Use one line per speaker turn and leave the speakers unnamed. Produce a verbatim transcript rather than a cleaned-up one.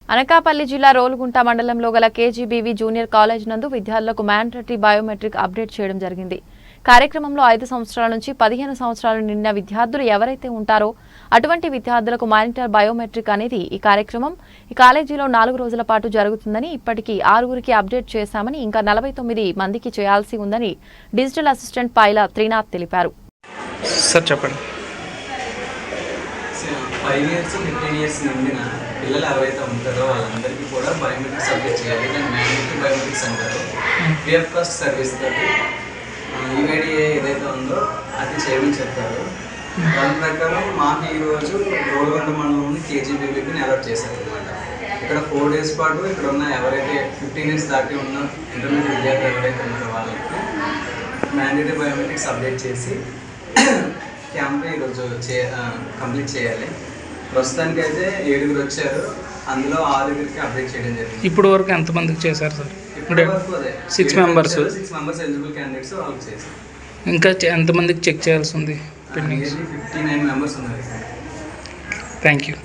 అనకాపల్లి జిల్లా రోలుగుంట మండలంలో గల కేజీబీవీ జూనియర్ కాలేజ్ నందు విద్యార్థులకు మ్యాండేటరీ బయోమెట్రిక్ అప్డేట్ చేయడం జరిగింది. కార్యక్రమంలో ఐదు సంవత్సరాల నుంచి పదిహేను సంవత్సరాలు నిండిన విద్యార్థులు ఎవరైతే ఉంటారో అటువంటి విద్యార్థులకు మానిటర్ బయోమెట్రిక్ అనేది ఈ కార్యక్రమం ఈ కాలేజీలో నాలుగు రోజుల పాటు జరుగుతుందని, ఇప్పటికీ ఆరుగురికి అప్డేట్ చేశామని, ఇంకా నలభై తొమ్మిది మందికి చేయాల్సి ఉందని డిజిటల్ అసిస్టెంట్ పైల త్రినాథ్ తెలిపారు.
సార్ చెప్పండి.
ఫైవ్ ఇయర్స్ ఫిఫ్టీన్ ఇయర్స్ నిండిన పిల్లలు ఎవరైతే ఉంటారో వాళ్ళందరికీ కూడా బయోమెట్రిక్స్ అప్డేట్ చేయాలి. దాన్ని మ్యాండేటరీ బయోమెట్రిక్స్ అంటారు. ఫ్రీ ఆఫ్ కాస్ట్ సర్వీస్ తోటి యూఐడిఏ ఏదైతే ఉందో అది చేయమని చెప్తారు. దాని ప్రకారం మాకు ఈరోజు రోలుగుంట మండలంలోని కేజీబీవీని అలర్ట్ చేశారు అనమాట. ఇక్కడ ఫోర్ డేస్ పాటు ఇక్కడ ఉన్న ఎవరైతే ఫిఫ్టీన్ ఇయర్స్ దాటి ఉన్న ఇంటర్మీడియట్ విద్యార్థులు ఎవరైతే ఉన్నారో వాళ్ళకి మ్యాండేటరీ బయోమెట్రిక్స్ అప్డేట్ చేసి క్యాంప్ ఈరోజు చే కంప్లీట్ చేయాలి. ప్రస్తుతానికి అయితే ఏడుగురు వచ్చారు, అందులో ఆరుగురికి అప్డేట్ చేయడం జరిగింది.
ఇప్పుడు వరకు ఎంతమందికి చేశారు సార్?
ఇప్పటి వరకు అదే
six members
six members eligible candidates వాళ్ళకి చేశారు.
ఇంకా ఎంతమందికి చెక్ చేయాల్సి ఉంది?
ఫిఫ్టీ నైన్ మెంబర్స్ ఉన్నారు.
Thank you.